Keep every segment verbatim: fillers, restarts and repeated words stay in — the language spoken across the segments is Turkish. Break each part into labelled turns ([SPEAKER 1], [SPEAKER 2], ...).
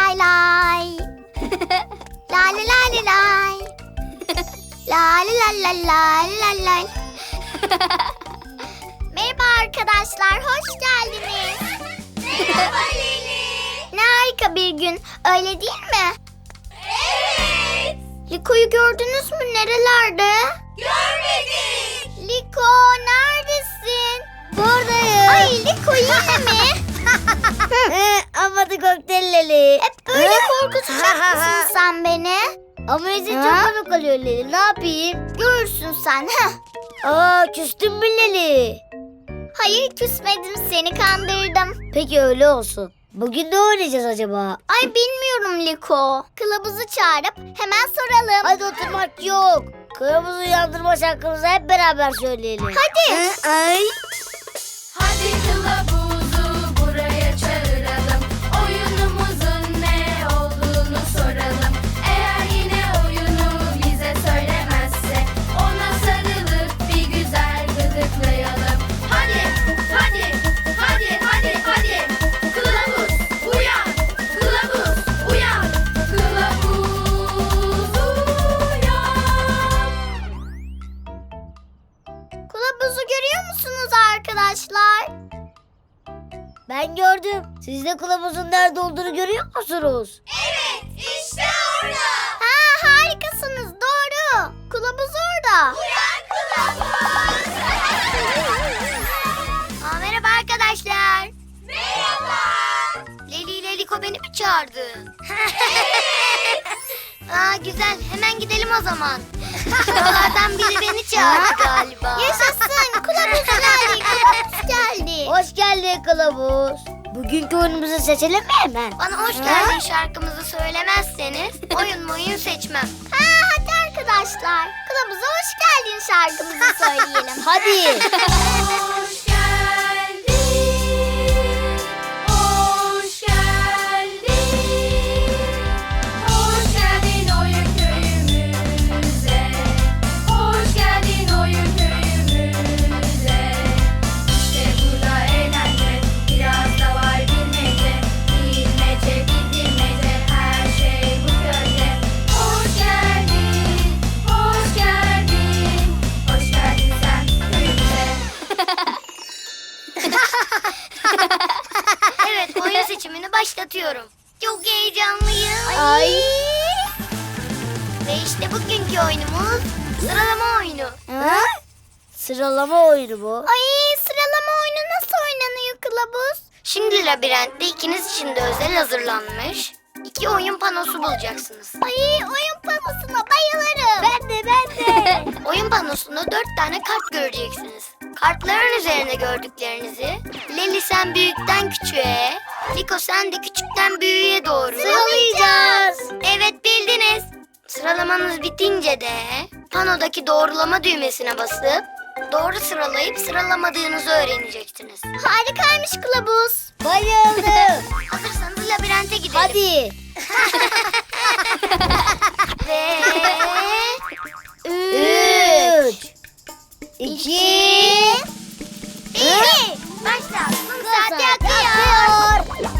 [SPEAKER 1] lay lay. Lay lay lay lay. Lay lay lay lay lay lay. Merhaba arkadaşlar, hoş geldiniz.
[SPEAKER 2] Merhaba Leli.
[SPEAKER 1] Ne harika bir gün, öyle değil mi?
[SPEAKER 2] Evet.
[SPEAKER 1] Liko'yu gördünüz mü? Nerelerde?
[SPEAKER 2] Görmedik.
[SPEAKER 1] Liko, neredesin?
[SPEAKER 3] Buradayım.
[SPEAKER 1] Ay Liko, yine mi?
[SPEAKER 3] Ama da kokteyl Leli.
[SPEAKER 1] Hep böyle korkutacak mısın sen beni?
[SPEAKER 3] Ama izin çok
[SPEAKER 1] Ha?
[SPEAKER 3] komik oluyor Leli. Ne yapayım?
[SPEAKER 1] Görürsün sen. Heh.
[SPEAKER 3] Aa, küstün mü Leli?
[SPEAKER 1] Hayır, küsmedim, seni kandırdım.
[SPEAKER 3] Peki öyle olsun. Bugün ne oynayacağız acaba?
[SPEAKER 1] Ay bilmiyorum Liko. Kılavuzu çağırıp hemen soralım.
[SPEAKER 3] Hadi oturmak yok. Kılavuzu uyandırma şarkımızı hep beraber söyleyelim.
[SPEAKER 1] Hadi.
[SPEAKER 3] Ay.
[SPEAKER 2] Hadi kılavuzu buraya çağıralım. Oyunumuzun ne olduğunu soralım. Eğer yine oyunu bize söylemezse ona sarılıp bir güzel gıdıklayalım. Hadi, hadi, hadi, hadi, hadi. Kılavuz uyan, kılavuz uyan, kılavuz uyan.
[SPEAKER 1] Kılavuzu görüyor musunuz arkadaşlar?
[SPEAKER 3] Ben gördüm. Siz de kılavuzun nerede olduğunu görüyor musunuz?
[SPEAKER 2] Evet, işte orada.
[SPEAKER 1] Ha, harikasınız, doğru. Kılavuz orada.
[SPEAKER 2] Uyan kılavuz.
[SPEAKER 1] Aa, merhaba arkadaşlar.
[SPEAKER 2] Merhaba.
[SPEAKER 1] Leli ile Liko beni mi çağırdı? Aa, güzel, hemen gidelim o zaman. Şuralardan biri beni çağırdı galiba. Yaşasın, kılavuz geldi, kılavuz geldi.
[SPEAKER 3] Hoş geldin kılavuz. Bugünkü oyunumuzu seçelim mi hemen?
[SPEAKER 1] Bana hoş geldin şarkımızı söylemezseniz oyun oyun seçmem. Ha, hadi arkadaşlar, kılavuza hoş geldin şarkımızı söyleyelim.
[SPEAKER 3] Hadi.
[SPEAKER 2] Hoş geldin. Hoş geldin. Hoş geldin oyun köyümüze. Hoş geldin oyun köyümüze. İşte burada eğlence, biraz da var bilmece. Bilmece, bilmece, her şey bu köyde. Hoş geldin, hoş geldin. Hoş geldin sen köyümüze.
[SPEAKER 1] Evet, oyun seçimini başlatıyorum. Çok heyecanlıyım.
[SPEAKER 3] Ay.
[SPEAKER 1] Ve işte bugünkü oyunumuz sıralama oyunu.
[SPEAKER 3] Ha? Sıralama oyunu bu.
[SPEAKER 1] Ay, sıralama oyunu nasıl oynanıyor kılavuz? Şimdi labirentte ikiniz için de özel hazırlanmış iki oyun panosu bulacaksınız. Ay, oyun panosuna bayılırım.
[SPEAKER 3] Ben de ben de.
[SPEAKER 1] Oyun panosunda dört tane kart göreceksiniz. Kartların üzerine gördüklerinizi Leli sen büyükten küçüğe, Liko sen de küçükten büyüğe doğru
[SPEAKER 3] Sıralayacağız.
[SPEAKER 1] Evet, bildiniz. Sıralamanız bitince de panodaki doğrulama düğmesine basıp doğru sıralayıp sıralamadığınızı öğreneceksiniz. Harikaymış kılavuz.
[SPEAKER 3] Bayıldım.
[SPEAKER 1] Hazırsanız labirente gidelim.
[SPEAKER 3] Hadi.
[SPEAKER 1] Ve...
[SPEAKER 3] Üç. İki.
[SPEAKER 1] Bir. Başla. Kum saati akıyor.
[SPEAKER 3] akıyor.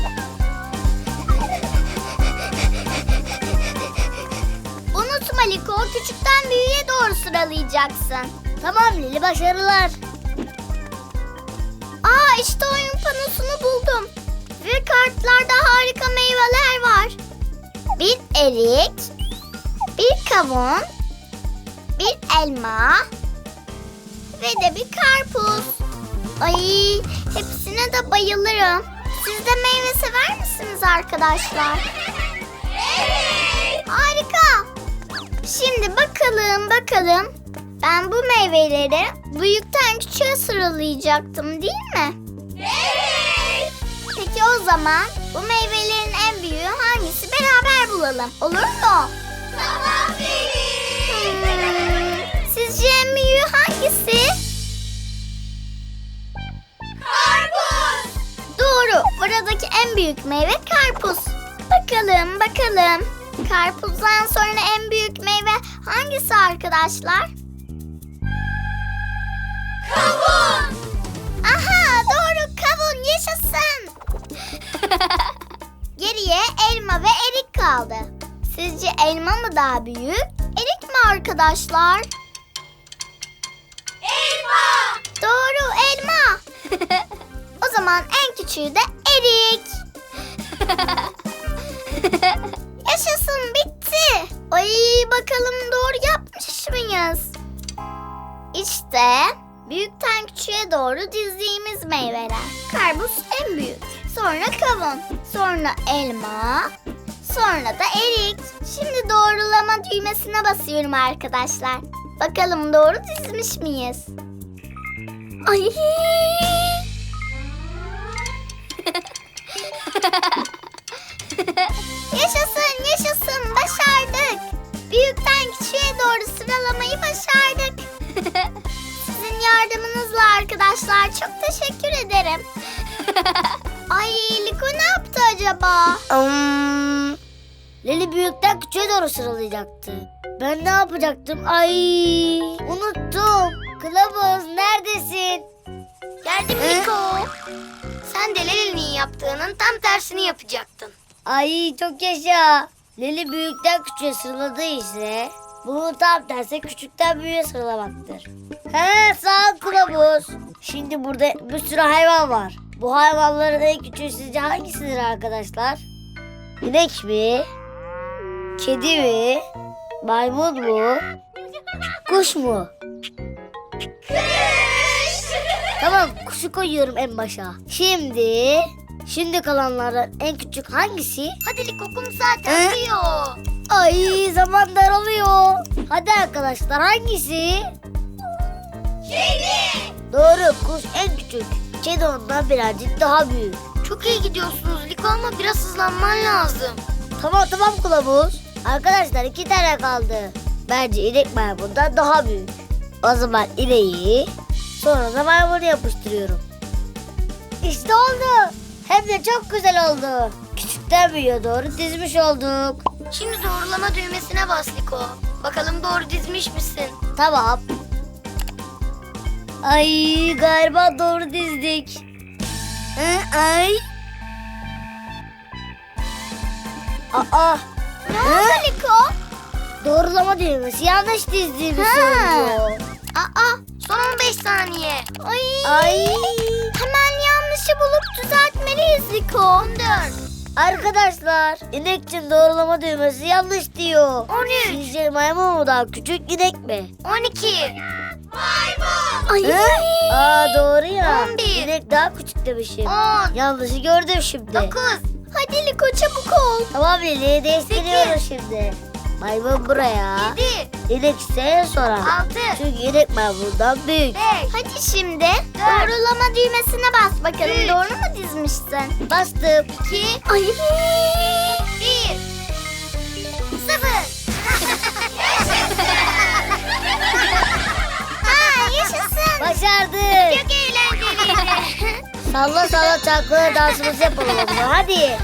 [SPEAKER 1] Unutma Liko, küçükten büyüğe doğru sıralayacaksın.
[SPEAKER 3] Tamam Lili, başarılar.
[SPEAKER 1] Aa, işte oyun panosunu buldum. Ve kartlarda harika meyveler var. Bir erik, bir kavun, bir elma ve de bir karpuz. Ay, hepsine de bayılırım. Siz de meyve sever misiniz arkadaşlar?
[SPEAKER 2] Evet.
[SPEAKER 1] Harika. Şimdi bakalım bakalım. Ben bu meyveleri büyükten küçüğe sıralayacaktım, değil mi?
[SPEAKER 2] Evet.
[SPEAKER 1] Peki o zaman bu meyvelerin en büyüğü hangisi, beraber bulalım. Olur mu?
[SPEAKER 2] Tamam Leli.
[SPEAKER 1] Hmm, sizce en büyüğü hangisi?
[SPEAKER 2] Karpuz.
[SPEAKER 1] Doğru. Buradaki en büyük meyve karpuz. Bakalım bakalım. Karpuzdan sonra en büyük meyve hangisi arkadaşlar?
[SPEAKER 2] Kavun.
[SPEAKER 1] Aha, doğru, kavun, yaşasın. Geriye elma ve erik kaldı. Sizce elma mı daha büyük, erik mi arkadaşlar?
[SPEAKER 2] Elma.
[SPEAKER 1] Doğru, elma. O zaman en küçüğü de erik. Yaşasın, bitti. Ay, bakalım doğru yapmış mıyız? İşte büyükten küçüğe doğru dizdiğimiz meyveler. Karpuz en büyük. Sonra kavun. Sonra elma. Sonra da erik. Şimdi doğrulama düğmesine basıyorum arkadaşlar. Bakalım doğru dizmiş miyiz? Ay! Yaşasın, yaşasın. Başardık. Büyükten küçüğe doğru sıralamayı başardık. Sizin yardımınızla arkadaşlar çok teşekkür ederim. Ay, Liko ne yaptı acaba?
[SPEAKER 3] Hmm. Leli büyükten küçüğe doğru sıralayacaktı. Ben ne yapacaktım? Ay, unuttum. Kılavuz neredesin?
[SPEAKER 1] Geldim Liko. Sen de Leli'nin yaptığının tam tersini yapacaktın.
[SPEAKER 3] Ay çok yaşa. Leli büyükten küçüğe sıraladığı ise bunun tam tersi küçükten büyüğe sıralamaktır. He, sağ ol kılavuz. Şimdi burada bir sürü hayvan var. Bu hayvanların en küçüğü sizce hangisidir arkadaşlar? İnek mi? Kedi mi? Maymun mu? Kuş mu? Tamam, kuşu koyuyorum en başa. Şimdi, şimdi kalanlardan en küçük hangisi?
[SPEAKER 1] Hadi Liko, kum zaten
[SPEAKER 3] Hı?
[SPEAKER 1] diyor.
[SPEAKER 3] Ay, zaman daralıyor. Hadi arkadaşlar, hangisi?
[SPEAKER 2] Kedi.
[SPEAKER 3] Doğru, kuş en küçük. Kedi ondan birazcık daha büyük.
[SPEAKER 1] Çok iyi gidiyorsunuz Liko ama biraz hızlanman lazım.
[SPEAKER 3] Tamam tamam kılavuz. Arkadaşlar iki tane kaldı. Bence inek maymundan daha büyük. O zaman ineği sonra da maymunu yapıştırıyorum. İşte oldu. Hem de çok güzel oldu. Küçükten büyüğe doğru dizmiş olduk.
[SPEAKER 1] Şimdi doğrulama düğmesine bas Liko. Bakalım doğru dizmiş misin?
[SPEAKER 3] Tamam. Ay, galiba doğru dizdik. Hı, ay. Aa.
[SPEAKER 1] Ne oldu Liko?
[SPEAKER 3] Doğrulama düğmesi yanlış dizdiğimi
[SPEAKER 1] Ha.
[SPEAKER 3] söylüyor.
[SPEAKER 1] Aa, son on beş saniye. Ay.
[SPEAKER 3] Ay.
[SPEAKER 1] Hemen yanlışı bulup düzeltmeliyiz Liko. on dört.
[SPEAKER 3] Arkadaşlar, inek için doğrulama düğmesi yanlış diyor.
[SPEAKER 1] on üç.
[SPEAKER 3] Sizce maymun mu daha küçük, inek mi?
[SPEAKER 1] on iki.
[SPEAKER 2] Maymun.
[SPEAKER 1] Ay.
[SPEAKER 3] Hı? Aa, doğru ya.
[SPEAKER 1] on bir.
[SPEAKER 3] İnek daha küçük demişim.
[SPEAKER 1] on.
[SPEAKER 3] Yanlışı gördüm şimdi.
[SPEAKER 1] dokuz. Hadi Liko, çabuk ol.
[SPEAKER 3] Tamam Lili, değiştiriyoruz şimdi. Maymun buraya.
[SPEAKER 1] yedi.
[SPEAKER 3] İnek ise en sonra.
[SPEAKER 1] altı.
[SPEAKER 3] Çünkü inek maymundan büyük.
[SPEAKER 1] beş. Hadi şimdi doğrulama düğmesine bas bakalım.
[SPEAKER 2] Üç.
[SPEAKER 1] Doğru mu dizmişsin?
[SPEAKER 3] Bastım.
[SPEAKER 1] iki. Ay. bir. sıfır. Ha, yaşasın.
[SPEAKER 3] Başardık.
[SPEAKER 1] Çok eğlenceliydi.
[SPEAKER 3] Salla salla çalkala dansımızı yapalım o zaman. Hadi.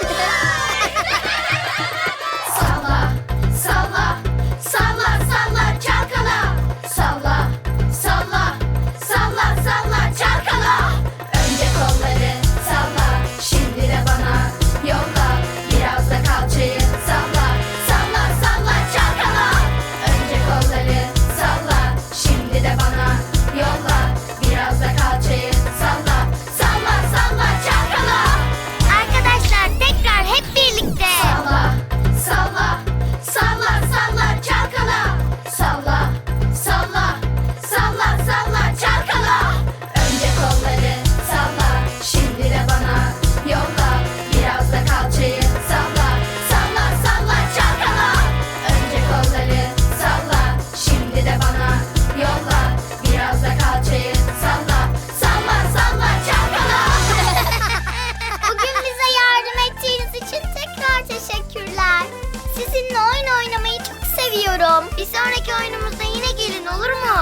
[SPEAKER 2] Salla, salla, salla, salla, çalkala. Salla, salla, salla, salla, çalkala. Önce kolları salla, şimdi de bana yolla. Biraz da kalçayı salla, salla, salla, çalkala. Önce kolları salla, şimdi de bana yolla. Biraz da kalçayı salla, salla, salla, çalkala.
[SPEAKER 1] Arkadaşlar tekrar hep birlikte.
[SPEAKER 2] Salla, salla, salla, salla, çalkala. Salla, salla, salla, salla, çalkala. Önce kolları salla, şimdi de bana yolla. Biraz da kalçayı salla, salla, salla, çalkala. Önce kolları salla, şimdi de bana yolla. Biraz da kalçayı salla, salla, salla, çalkala.
[SPEAKER 1] Bugün bize yardım ettiğiniz için tekrar teşekkürler. Sizinle oyun oynamayı çok seviyorum. Bir sonraki oyunumuzda yine gelin, olur mu?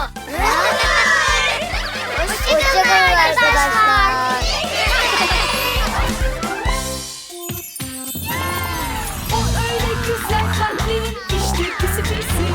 [SPEAKER 1] Hoşçakalın
[SPEAKER 3] Hoşçakalın
[SPEAKER 1] arkadaşlar.
[SPEAKER 3] arkadaşlar.
[SPEAKER 2] O öyle güzel kalbin işte pisi pisi.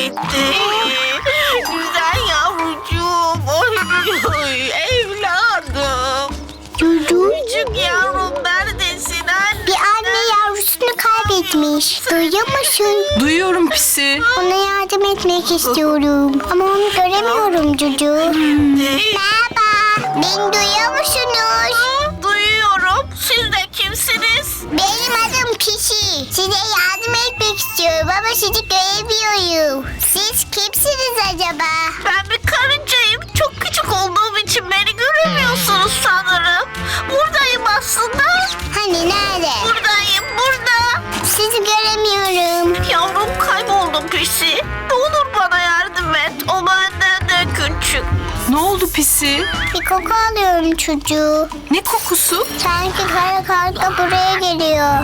[SPEAKER 4] gitti. Güzel yavrucuğum. Oy, oy, evladım.
[SPEAKER 1] Cucu.
[SPEAKER 4] Küçük yavrum neredesin anne?
[SPEAKER 1] Bir anne yavrusunu kaybetmiş. Duyuyor musun?
[SPEAKER 5] Duyuyorum Pisi.
[SPEAKER 1] Ona yardım etmek istiyorum. Ama onu göremiyorum Cucu. Merhaba. Beni duyuyor musunuz?
[SPEAKER 4] Duyuyorum. Siz de kimsiniz?
[SPEAKER 1] Benim adım Pişi. Size yardım etmek istiyorum ama sizi göremiyorum. Siz kimsiniz acaba?
[SPEAKER 4] Ben bir karıncayım. Çok küçük olduğum için beni göremiyorsunuz sanırım. Buradayım aslında.
[SPEAKER 1] Hani nerede?
[SPEAKER 4] Buradayım burada.
[SPEAKER 1] Sizi göremiyorum.
[SPEAKER 4] Yavrum kayboldum Pisi. Ne olur bana yardım et. O benden de küçük.
[SPEAKER 5] Ne oldu Pisi?
[SPEAKER 1] Bir koku alıyorum çocuğu.
[SPEAKER 5] Ne kokusu?
[SPEAKER 1] Sanki kara karga buraya geliyor.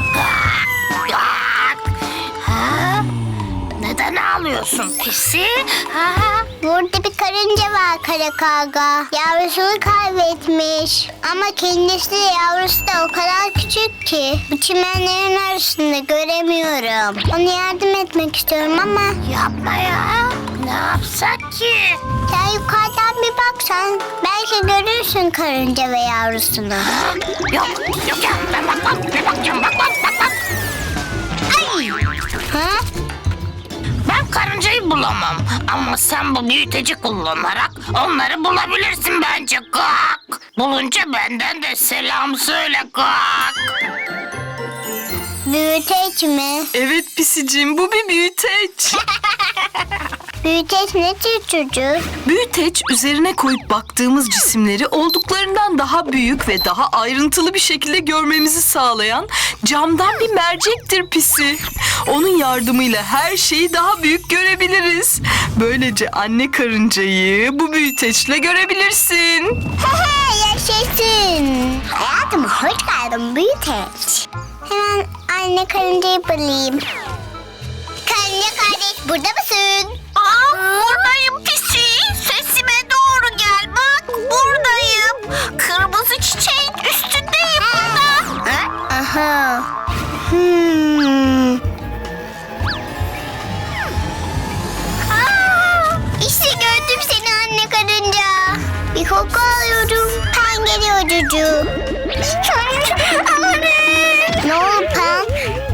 [SPEAKER 4] Ha? Neden ağlıyorsun Pisi? Ha?
[SPEAKER 1] Burada bir karınca var kara karga. Yavrusunu kaybetmiş. Ama kendisi de yavrusu da o kadar küçük ki. Bu çimenlerin arasında göremiyorum. Ona yardım etmek istiyorum ama
[SPEAKER 4] Yapma ya. Ne yapsak ki?
[SPEAKER 1] sen yukarıdan bir baksan belki görürsün karınca ve yavrusunu.
[SPEAKER 4] Yok, yok ya. Ben bakmam. Ben bakacağım. Bak, bak, bak, bak. Ay!
[SPEAKER 1] Ha?
[SPEAKER 4] Ben karıncayı bulamam. Ama sen bu büyüteci kullanarak onları bulabilirsin bence. Kalk. Bulunca benden de selam söyle. Kalk.
[SPEAKER 1] Büyüteç mi?
[SPEAKER 5] Evet Pisiciğim, bu bir büyüteç.
[SPEAKER 1] Büyüteç ne tür çocuk?
[SPEAKER 5] Büyüteç üzerine koyup baktığımız cisimleri olduklarından daha büyük ve daha ayrıntılı bir şekilde görmemizi sağlayan camdan bir mercektir Pisi. Onun yardımıyla her şeyi daha büyük görebiliriz. Böylece anne karıncayı bu büyüteçle görebilirsin.
[SPEAKER 1] Yaşasın. Hayatım hoş geldin büyüteç. Hemen anne karıncayı bulayım. Karınca kardeş burada mısın?
[SPEAKER 4] Aa, buradayım Pisi. Sesime doğru gel. Bak buradayım. Kırmızı çiçeğin üstündeyim burada. Ha?
[SPEAKER 1] Aha. Hmm. Aa, işte gördüm seni anne karınca. Bir koku alıyorum. Pen geliyor cucu. Amanın. Ne oldu Pen?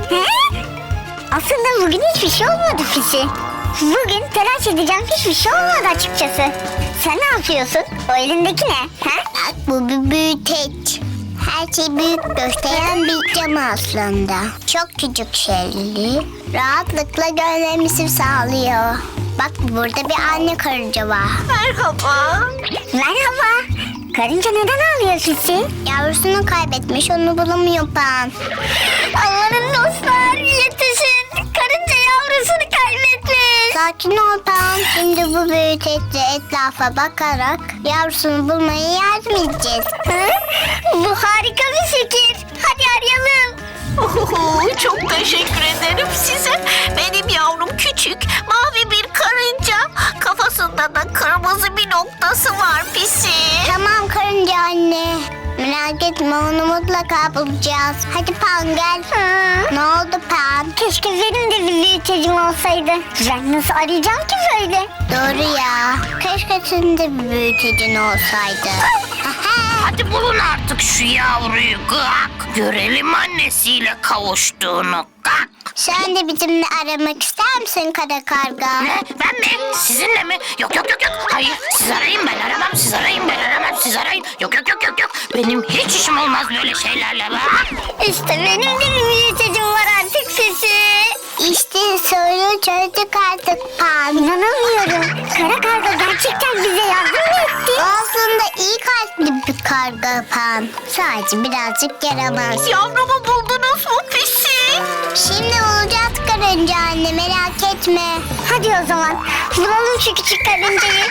[SPEAKER 1] Aslında bugün hiçbir şey olmadı Fisi. Bugün telaş edeceğim hiçbir şey olmadı açıkçası. Sen ne yapıyorsun? O elindeki ne? Ha? Bak bu bir büyüteç. Her şeyi büyük gösteren bir cam aslında. Çok küçük şeyleri rahatlıkla görmemizi sağlıyor. Bak burada bir anne karınca var.
[SPEAKER 4] Merhaba.
[SPEAKER 1] Merhaba. Karınca neden ağlıyor Fisi? Yavrusunu kaybetmiş, onu bulamıyor Pan. Amanın dostlar, yetişin. Karınca yavrusunu kaybetmiş. Sakin ol Pan. Şimdi bu büyüteçle etrafa bakarak yavrusunu bulmaya yardım edeceğiz. Bu harika bir fikir. Hadi arayalım.
[SPEAKER 4] Oho, çok teşekkür ederim size. Benim yavrum küçük, mavi bir karınca. Kafasında da kırmızı bir noktası var Pisi.
[SPEAKER 1] Tamam karınca anne. Merak etme onu mutlaka bulacağız. Hadi Pan gel. Ne oldu Pan? Keşke benim de bir büyütecim olsaydı. Ben nasıl arayacağım ki böyle? Doğru ya. Keşke senin de bir büyütecin olsaydı.
[SPEAKER 4] Hadi bulun artık şu yavruyu. Kalk. Görelim annesiyle kavuştuğunu. Kalk.
[SPEAKER 1] Sen de bizimle aramak ister misin kara karga?
[SPEAKER 4] Ne? Ben mi? Sizinle mi? Yok yok yok yok. Hayır siz arayın ben aramam. Siz arayın ben aramam. Siz arayın. Yok yok yok yok yok. Benim hiç işim olmaz böyle şeylerle. Bak.
[SPEAKER 1] İşte benim de bir büyütecim var artık Sesi. İşte soru çözdük artık Pan. İnanamıyorum. Kara karga gerçekten bize yardım mı etti? Aslında iyi kalpli bir karga Pan. Sadece birazcık yaramaz.
[SPEAKER 4] Yavrumu buldunuz mu Pisi?
[SPEAKER 1] Şimdi olacağız karınca anne merak etme. Hadi o zaman bulalım şu küçük karıncayı.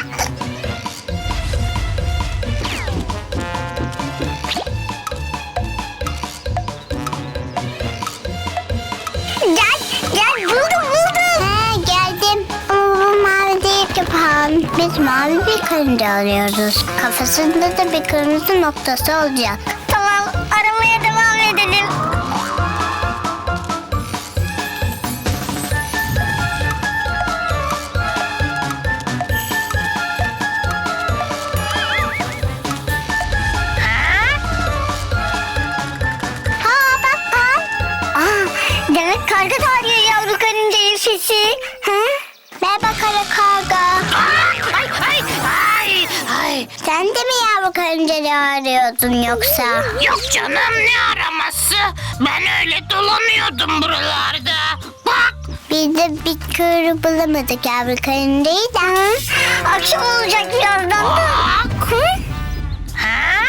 [SPEAKER 1] Gel gel buldum buldum. He geldim. Ama bu mavi değil ki Pan. Biz mavi bir karınca arıyoruz. Kafasında da bir kırmızı noktası olacak. Tamam aramaya devam edelim. Sen de mi yavru karıncaları arıyordun yoksa?
[SPEAKER 4] Yok canım, ne araması? Ben öyle dolanıyordum buralarda. Bak.
[SPEAKER 1] Biz de bir kuyruğu bulamadık yavru karıncayı da. Akşam olacak birazdan da.
[SPEAKER 4] Bak. Ha?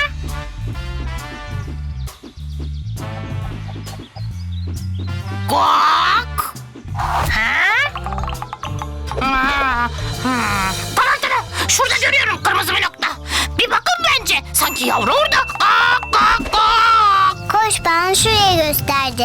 [SPEAKER 4] Guak. Ha? Ha, hmm. Tamam tamam. Şurada görüyorum kırmızı bir nokta. Bir bakın bence. Sanki yavru orada. Gak gak gak.
[SPEAKER 1] Koş, bana şuraya gösterdi.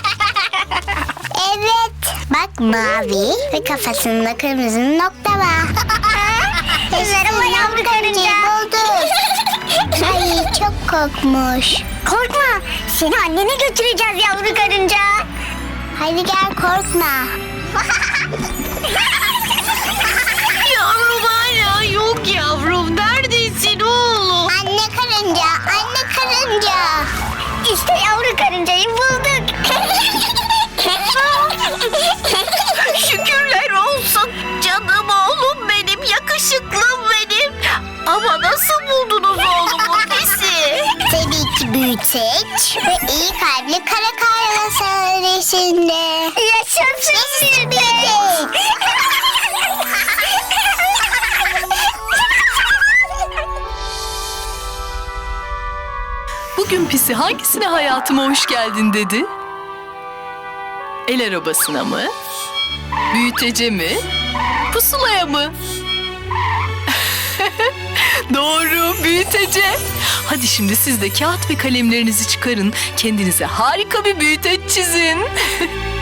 [SPEAKER 1] Evet. Bak, mavi ve kafasında kırmızı nokta var. Merhaba yavru karınca. Bulduk. Ay, çok korkmuş. Korkma. Seni annene götüreceğiz yavru karınca. Hadi gel, korkma.
[SPEAKER 5] Yavrum hala yok yavrum. Neredesin oğlum?
[SPEAKER 1] Anne karınca, anne karınca. İşte yavru karıncayı bulduk.
[SPEAKER 5] Şükürler olsun canım oğlum benim, yakışıklım benim. Ama nasıl buldunuz oğlumu pisi?
[SPEAKER 1] Tabii ki büyüteç ve iyi kalpli kara karga sayesinde. Yaşasın büyüteç.
[SPEAKER 5] Bugün pisi hangisine hayatıma hoş geldin dedi? El arabasına mı? Büyütece mi? Pusulaya mı? Doğru, büyütece. Hadi şimdi siz de kağıt ve kalemlerinizi çıkarın. Kendinize harika bir büyüteç çizin.